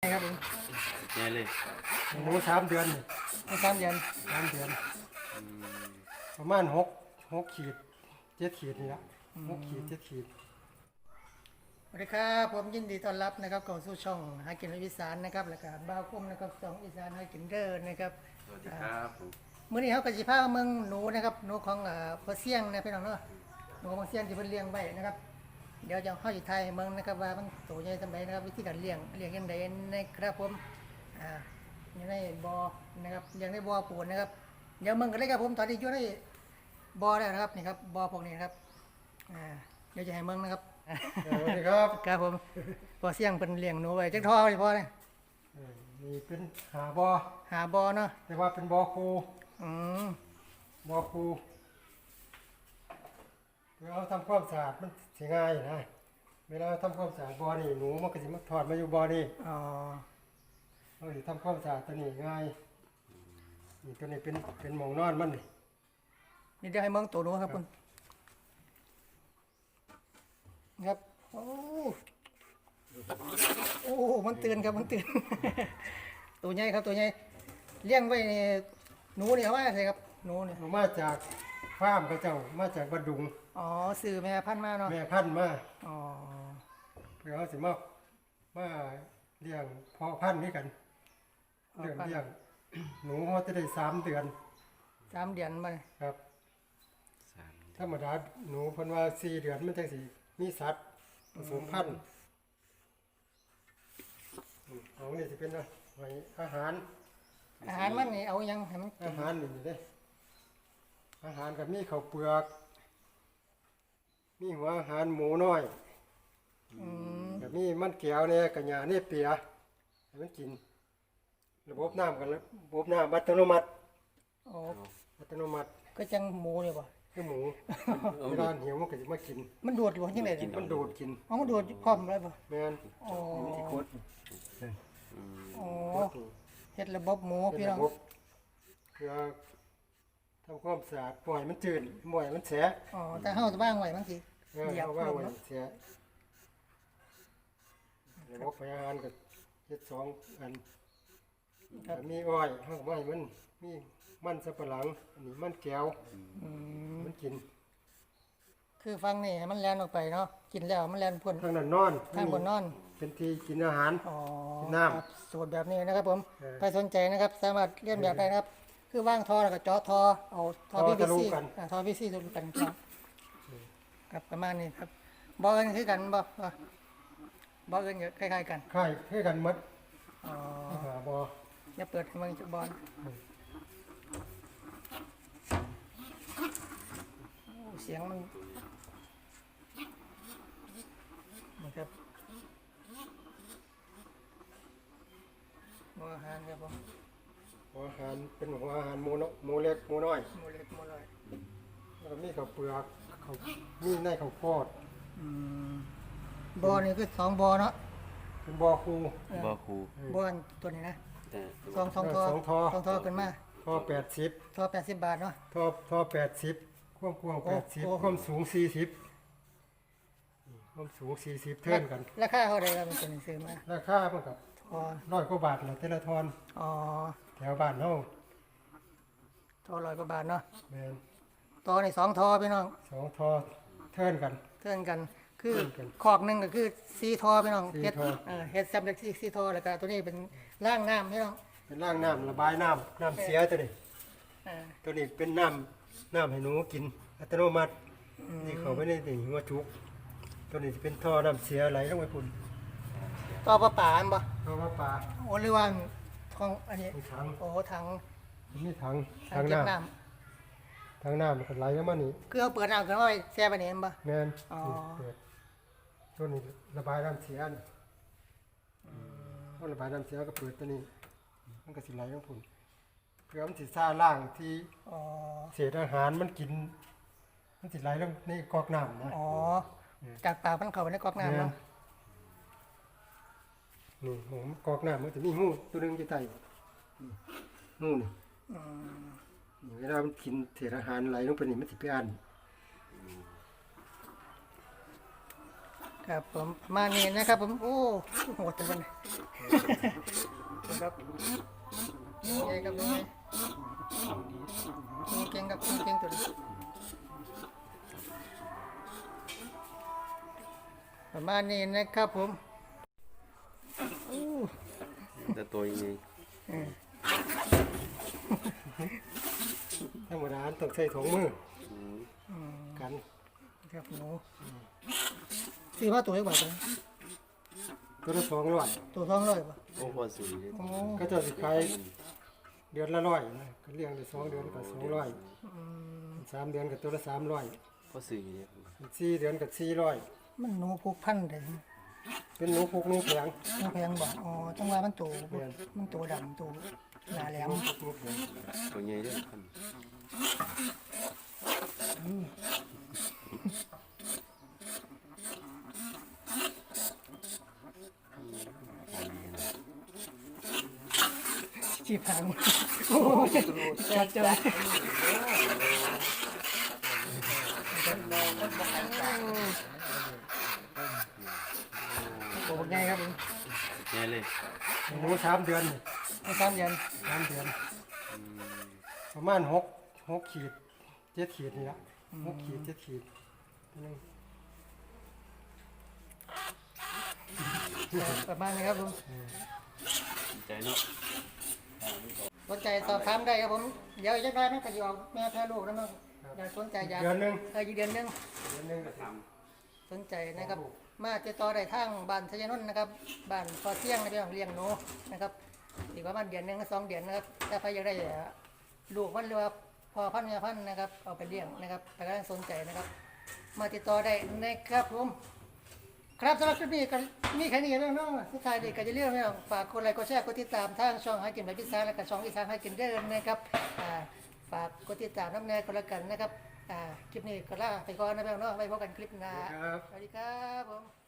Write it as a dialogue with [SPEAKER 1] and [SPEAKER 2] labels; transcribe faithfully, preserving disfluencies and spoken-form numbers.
[SPEAKER 1] ครับผม
[SPEAKER 2] แน่เลย
[SPEAKER 3] หนูสามเดือน
[SPEAKER 1] ในสามเดือน
[SPEAKER 3] สามเดือนประมาณหกหกขีดเจ็ดขีดนี่ละหกขีดเจ็ดขีด
[SPEAKER 1] สวัสดีครับผมยินดีต้อนรับนะครับเข้าสู่ช่องหากินอีสานนะครับแล้วก็บ้าวพุ่มนะครับสองอีสานหากินเด้อนะครับ
[SPEAKER 2] สวัสดีครับผม
[SPEAKER 1] มื้อนี้เฮาก็สิพาเมืองหนูนะครับหนูของเอ่อพ่อเสี่ยงนะพี่น้องเนาะหนูของพ่อเสี่ยงที่เพิ่นเลี้ยงไว้นะครับเดี๋ยวจะเฮาสิถ่ายให้เมืองนะครับว่ามันโตใหญ่ซำใดนะครับวิธีการเลี้ยงเลี้ยงจังไดนะครับผมอ่าอยู่ในบ่อนะครับเลี้ยงในบ่อปูนนะครับเดี๋ยวเมืองกันเลยครับผมตอนนี้อยู่ในบ่อแล้วนะครับนี่ครับบ่อพวกนี้นะครับอ่าเดี๋ยวจะให้เมืองนะครับ
[SPEAKER 3] สวัสดีครับ
[SPEAKER 1] ครับผมพอเสี่ยงเป็นเลี้ยงหนูไว้จักทอไว้พอเลย
[SPEAKER 3] นี่เป็นหาบอ
[SPEAKER 1] หาบ่อเนาะ
[SPEAKER 3] แต่ว่าเป็นบอคู
[SPEAKER 1] อืม
[SPEAKER 3] บอคูเวลาทำความสะอาดมันสิง่ายนะเวลาทำความสะอาดบอนี่หนูมันก็สิมาถอดมาอยู่บอนี่
[SPEAKER 1] อ๋อ
[SPEAKER 3] เราสิทำความสะอาดตัวนี้ง่ายนี่ตัวนี้เป็นเป็นหมองนอนมันนี่
[SPEAKER 1] นี่เดี๋ยวให้เมืองตัวหนูครับคุณครับโอ้โอ้มันตื่นครับมันตื่นตัวใหญ่ครับตัวใหญ่เลี้ยงไว้นี่หนูนี่เอาไว้ใส่ครับหนูนี่
[SPEAKER 3] มาจากฟาร์มกระเจ้ามาจากบัดดุง
[SPEAKER 1] อ๋อซื้อแม่พันธุ์มาเนาะ
[SPEAKER 3] แม่พันธุ์มา
[SPEAKER 1] อ๋อ
[SPEAKER 3] เพื่อเขาสิมามาเลี้ยงพ่อพันธุ์นี่กันเลี้ยงเลี้ยงหนูเขาจะได้สามเดือน
[SPEAKER 1] สามเดือนมา
[SPEAKER 3] ครับธรรมดาหนูเพิ่นว่าสี่เดือนมันจังสิมีสัตว์ผสมพันธุ์ของนี่จะเป็นอะไรอาหาร
[SPEAKER 1] อาหารมันนี่เอายังให้มัน
[SPEAKER 3] อาหารนี่เด้อาหารกับมีข้าวเปลือกมีหัวอาหารหมูน้อยกับมีมันแก้วเนี่ยกับหญ้าเนี่ยเปียให้มันกินระบบน้ำกันระบบน้ำอัตโนมัติ
[SPEAKER 1] โอ้
[SPEAKER 3] อัตโนมัติ
[SPEAKER 1] ก็จังหมูเลยป่ะ
[SPEAKER 3] คือหมูเวลาหิวมันก็จะมากิน
[SPEAKER 1] มันดูดอยู่ยังไง
[SPEAKER 3] มันดูดกิน
[SPEAKER 1] อ๋อมันดูดพร้อมเลยป่ะ
[SPEAKER 3] แม่น
[SPEAKER 1] อ๋อ
[SPEAKER 3] ที่โคตร
[SPEAKER 1] อ๋อเฮ็ดระบบหมูพี่น้อง
[SPEAKER 3] เพื่อทำความสะอาดปล่อยมันจืดปล่อยมันแฉะ
[SPEAKER 1] อ๋อแต่เฮาจะบ้างไว้บางที
[SPEAKER 3] เหยียบว่างไว้แฉะระบบพยาธิก็เฮ็ดสองอันมีอ้อยเฮาไว้มันมีมันสับปะหลังอันนี้มันแก้วมันกิน
[SPEAKER 1] คือฟังนี่มันแล่นออกไปเนาะกินแล้วมันแล่นพ่น
[SPEAKER 3] ทางนั้นนอน
[SPEAKER 1] ทางบนนอน
[SPEAKER 3] เป็นที่กินอาหาร
[SPEAKER 1] กิ
[SPEAKER 3] นน้ำ
[SPEAKER 1] สูตรแบบนี้นะครับผมใครสนใจนะครับสามารถเรียนแบบได้นะครับคือว่างท่อแล้วก็เจาะท่อเอาท่อ พี วี ซี ท่อ พี วี ซีทะลุกันครับประมาณนี้ครับบ่เอิ้นคือกันบ่บ่เอิ้นคล้ายๆกัน
[SPEAKER 3] คล้ายคือกันหมด
[SPEAKER 1] อ๋อ
[SPEAKER 3] บ่
[SPEAKER 1] อย่าเปิดให้มันจักบอลเสียงมันนะครับหัวอาหารครับผม
[SPEAKER 3] หัวอาหารเป็นหัวอาหารหมูนหมูเล็กหมูน้อย
[SPEAKER 1] หมูเล็กหมูน้อย
[SPEAKER 3] แล้วก็มีข้าวเปลือกข้าวมีในข้าวโพด
[SPEAKER 1] บ่อนี่คือสองบ่อเนาะ
[SPEAKER 3] เป็นบ่อคู
[SPEAKER 2] บ่อคู
[SPEAKER 1] บ่อตัวนี้นะสองสองทอ
[SPEAKER 3] สองทอ
[SPEAKER 1] สองทอขึ้นมา
[SPEAKER 3] ทอแปดสิบ
[SPEAKER 1] ทอแปดสิบบาทเนาะ
[SPEAKER 3] ทอทอแปดสิบความกว้างแปดสิบความสูงสี่สิบความสูงสี่สิบเท่ากัน
[SPEAKER 1] ราคาเท่าไหร่ครับเป็นตัวนี้ซื้อมา
[SPEAKER 3] ราคาเพิ่นกับร้อยกว่าบาทแหละแต่ละทอน
[SPEAKER 1] อ๋อ
[SPEAKER 3] แถวบ้านเฮา
[SPEAKER 1] ทอร้อยกว่าบาทเนาะ
[SPEAKER 3] แม่น
[SPEAKER 1] ทอนี่สองทอพี่น้อง
[SPEAKER 3] สองทอเท่ากัน
[SPEAKER 1] เท่ากันคือขอกนึงก็คือสี่ทอพี่น้องเฮ็ดเออเฮ็ดซับเล็กสี่ทอแล้วก็ตัวนี้เป็นล่างน้ำพี่น้อง
[SPEAKER 3] เป็นล่างน้ำระบายน้ำน้ำเสียตัวนี้ตัวนี้เป็นน้ำน้ำให้หนูกินอัตโนมัตินี่เขาไม่ได้ถึงหัวจุกตัวนี้จะเป็นท่อน้ำเสียไหลลงไปพุ่น
[SPEAKER 1] ต่อปลาป่าอันบ่
[SPEAKER 3] ท่อปลาป่า
[SPEAKER 1] โอ้หรือว่าทองอันนี้
[SPEAKER 3] ถัง
[SPEAKER 1] โอ้ถัง
[SPEAKER 3] นี่ถัง
[SPEAKER 1] ถังน้
[SPEAKER 3] ำถังน้ำมันไหลลงมานี่
[SPEAKER 1] คือเอาเปิดน้ำขึ้นมาไว้แช่ไปนี่บ่
[SPEAKER 3] แม่นอ๋อตัวนี้ระบายน้ำเสียนี่พอระบายน้ำเสียก็เปิดตัวนี้มันก็สิไหลลงพุ่นเพื่อมันสิซ่าล่างที่เศษอาหารมันกินมันสิไหลลงในกอกน้ำนะ
[SPEAKER 1] อ๋อจากปากมันเข้าไปในกอกน้ำเนาะ
[SPEAKER 3] นี่ผมกอกน้ำมันจะมีงูตัวนึงอยู่ใต้งูนี่เวลามันกินเศษอาหารไหลลงไปนี่มันสิไปอัน
[SPEAKER 1] อครับผมมานี่นะครับผมโอ้โหดจังเลยครับยังไงครับยังไงคุณเก่งกับคุณเก่งตัวนี้ประมาณนี้นะครับผมอู้
[SPEAKER 2] แต่ตัวยังไง
[SPEAKER 3] ธรรมดาต้องใช้ถุงมือ
[SPEAKER 2] อืม
[SPEAKER 3] กัน
[SPEAKER 1] ครับหนูสี่ว่าตัวเล็กกว่าตัว
[SPEAKER 3] ตัวละสองร้อย
[SPEAKER 1] ตัวท้องร้อยป่ะ
[SPEAKER 2] โอ้พอสุดเลย
[SPEAKER 1] โอ้
[SPEAKER 3] ก็จะสิขายเดือนละร้อยนะก็เลี้ยงได้สองเดือนก็สองร้อยสามเดือนก็ตัวละสามร้อย
[SPEAKER 2] พอสื่อเนี่ย
[SPEAKER 3] สี่เดือนก็สี่ร้อย
[SPEAKER 1] มันหนูผูกพันเลย
[SPEAKER 3] เป็นหนูพุกหนูแข็ง
[SPEAKER 1] มันแพงบ่อ๋อจังว่ามันตัวมันตัวดำตัวหนาแหลม
[SPEAKER 3] หนูแข็ง
[SPEAKER 2] ตัวใหญ่ด้วยพัน
[SPEAKER 1] จีบหางโอ้ยจัดจัดโอ้ยไงครับผม
[SPEAKER 2] ใหญ่เลย
[SPEAKER 3] หนูสามเดือนนี่
[SPEAKER 1] ไม่ซ้ำยัน
[SPEAKER 3] สามเดือนประมาณหกหกขีดเจ็ดขีดนี่ละหกขีดเจ็ดขีดนึง
[SPEAKER 1] ประมาณนี้ครับผม
[SPEAKER 2] ใจเนาะ
[SPEAKER 1] สนใจสอบถามได้ครับผมเดี๋ยวจะได้ไหมก็จะออกแม่แพ้ลูกแล้วมั้งอยากสนใจอยาก
[SPEAKER 3] เดือนหนึง
[SPEAKER 1] เอออีกเดือนหนึง
[SPEAKER 3] เดือนหนึงก็ท
[SPEAKER 1] สนใจนะครับมาติดต่อได้ทางบ้านชยนนท์นะครับบ้านพอเที่ยงในเรื่องเลี้ยงหนูนะครับอีกประมาณเดือนหนึงสองเดือนนะครับถ้าใครอยากได้ลูกพันธุ์หรือว่าพอพันธุ์แม่พันธุ์นะครับเอาไปเลี้ยงนะครับแต่ก็สนใจนะครับ มาติดต่อได้นะครับผมครับสำหรับคลิปนี้ก็มีแค่นี้แล้วเนาะสุดท้ายนี้ก็จะเรียกว่าฝากกดไลค์กดแชร์กดติดตามทางช่องให้กินแบบพิซซ่าและก็ช่องอีสานให้กินเด้อนะครับอ่าฝากกดติดตามน้ำแน่ก็แล้วกันนะครับอ่าคลิปนี้ก็ลาไปก่อนนะพี่น้องเนาะไว้พบกันคลิปหน้า
[SPEAKER 3] ำครับ
[SPEAKER 1] สวัสดีครับผม